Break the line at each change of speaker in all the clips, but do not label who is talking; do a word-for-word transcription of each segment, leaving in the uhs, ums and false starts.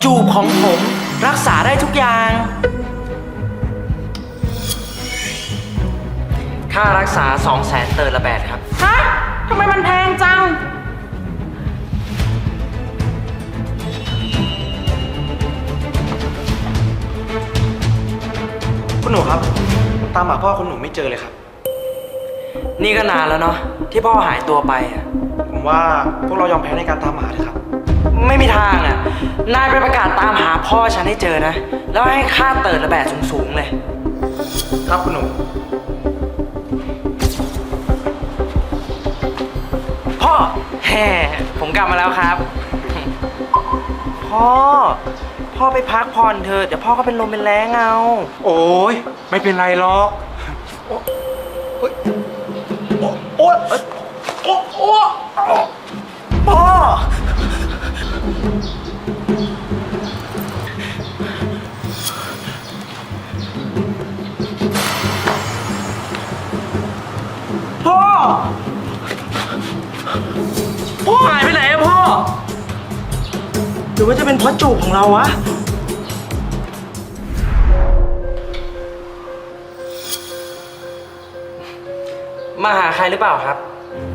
จูบของผมรักษาได้ทุกอย่างค่ารักษาสองแสนเตอร์ละแบดครับ
ฮะทำไมมันแพงจัง
คุณหนูครับตามหาพ่อคุณหนูไม่เจอเลยครับ
นี่ก็นานแล้วเนาะที่พ่อหายตัวไป
ผมว่าพวกเรายอมแพ้ในการตามหาเถอะครับ
ไม่มีทางอ่ะนายไปประกาศตามหาพ่อฉันให้เจอนะแล้วให้ค่าเติร์ดละแบดสูงๆเลย
ครับคุณหนู
พ่อแฮ่ผมกลับมาแล้วครับพ่อพ่อไปพักผ่อนเถอะเดี๋ยวพ่อก็เป็นลมเป็นแรงเอา
โอ้ยไม่เป็นไรหรอกโอ้ยโอ้ยโอ้ยโอ้ย
พ่อพ่อพ่อหายไปไหนอะพ่อหรือว่าจะเป็นเพราะจูบของเราวะมาหาใครหรือเปล่าครับ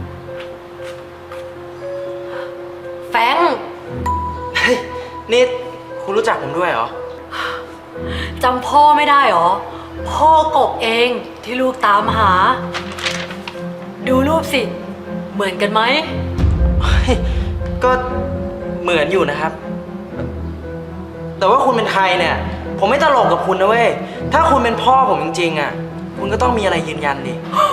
แฟง
เฮ้ยนี่คุณรู้จักผมด้วยเหรอ
จำพ่อไม่ได้เหรอพ่อกบเองที่ลูกตามหาดูรูปสิเหมือนกันไหม
ก็เหมือนอยู่นะครับแต่ว่าคุณเป็นใครเนี่ยผมไม่ตลกกับคุณนะเว้ยถ้าคุณเป็นพ่อผมจริงๆอ่ะคุณก็ต้องมีอะไรยืนยันดิ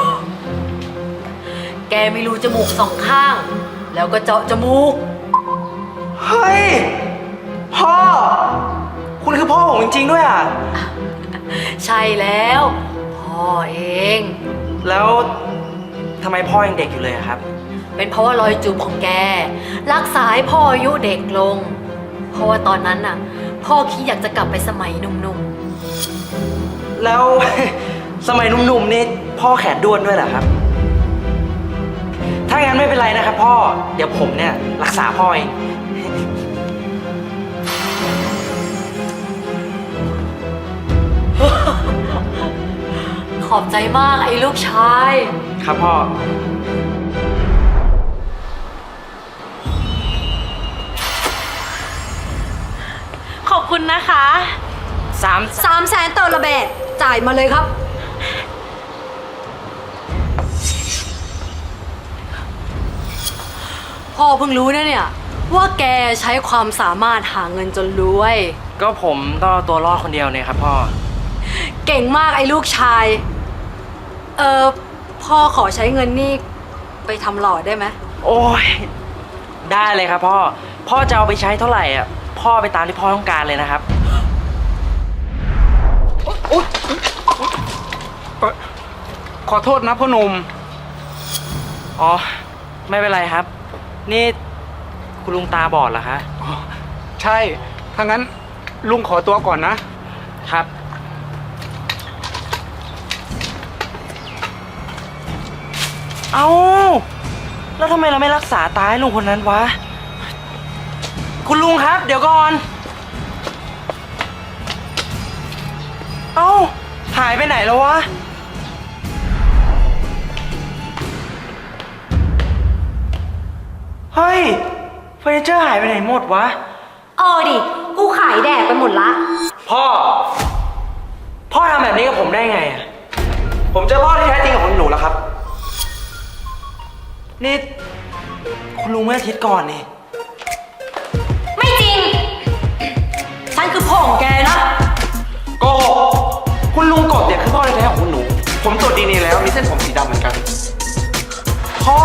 แกมีรูจมูกสองข้างแล้วก็เจาะจมูก
เฮ้ยพ่อคุณคือพ่อผมจริงๆด้วยอ่ะ
ใช่แล้วพ่อเอง
แล้วทำไมพ่อยังเด็กอยู่เลยครับ
เป็นเพราะว่ารอยจูบของแกรักษาให้พ่ออายุเด็กลงเพราะว่าตอนนั้นน่ะพ่อคิดอยากจะกลับไปสมัยหนุ่ม
ๆแล้ว สมัยหนุ่มๆนี่พ่อแขนด้วนด้วยเหรอครับถ้างั้นไม่เป็นไรนะครับพ่อเดี๋ยวผมเนี่ยรักษาพ่อเอง
ขอบใจมากไอ้ลูกชาย
ครับพ่อ
ขอบคุณนะคะ
สาม
สามแสนเตอร์ละแบดจ่ายมาเลยครับพ่อเพิ่งรู้นะเนี่ยว่าแกใช้ความสามารถหาเงินจนรวย
ก็ผมต้องเอาตัวรอดคนเดียวเนี่ยครับพ่อ
เก่งมากไอ้ลูกชายเออพ่อขอใช้เงินนี่ไปทำหล่อได้ไหม
โอ้ยได้เลยครับพ่อพ่อจะเอาไปใช้เท่าไหร่อ่ะพ่อไปตามที่พ่อต้องการเลยนะครับ
ขอโทษนะพ่อหนุ่ม
อ๋อไม่เป็นไรครับนี่คุณลุงตาบอดเหรอคะ
ใช่ถ้างั้นลุงขอตัวก่อนนะครับ
เอาแล้วทำไมเราไม่รักษาตาให้ลุงคนนั้นวะคุณลุงครับเดี๋ยวก่อนเอ้าหายไปไหนแล้ววะเฮ้ยเฟอร์นิเจอร์หายไปไหนหมดวะ
เออดิกูขายแดกไปหมดละ
พ่อพ่อทำแบบนี้กับผมได้ไงอ่ะผมเจอพ่อที่แท้จริงของหนูแล้วครับนี่คุณลุงเมื่ออาทิตย์ก่อนนี่
ไม่จริงฉันคือพ่อของแกนะ
โกหกคุณลุงกบเนี่ยคือพ่อแท้ๆของคุณหนูผมตรวจดีเอ็นเอแล้วมีเส้นผมสีดำเหมือนกัน
พ่อ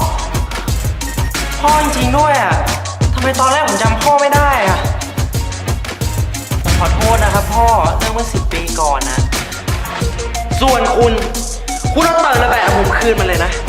พ่อจริงๆด้วยอ่ะทำไมตอนแรกผมจำพ่อไม่ได้อ่ะผมขอโทษนะครับพ่อเรื่องเมื่อสิบปีก่อนนะส่วนคุณคุณเอาเติร์ดละแบดผมคืนมาเลยนะ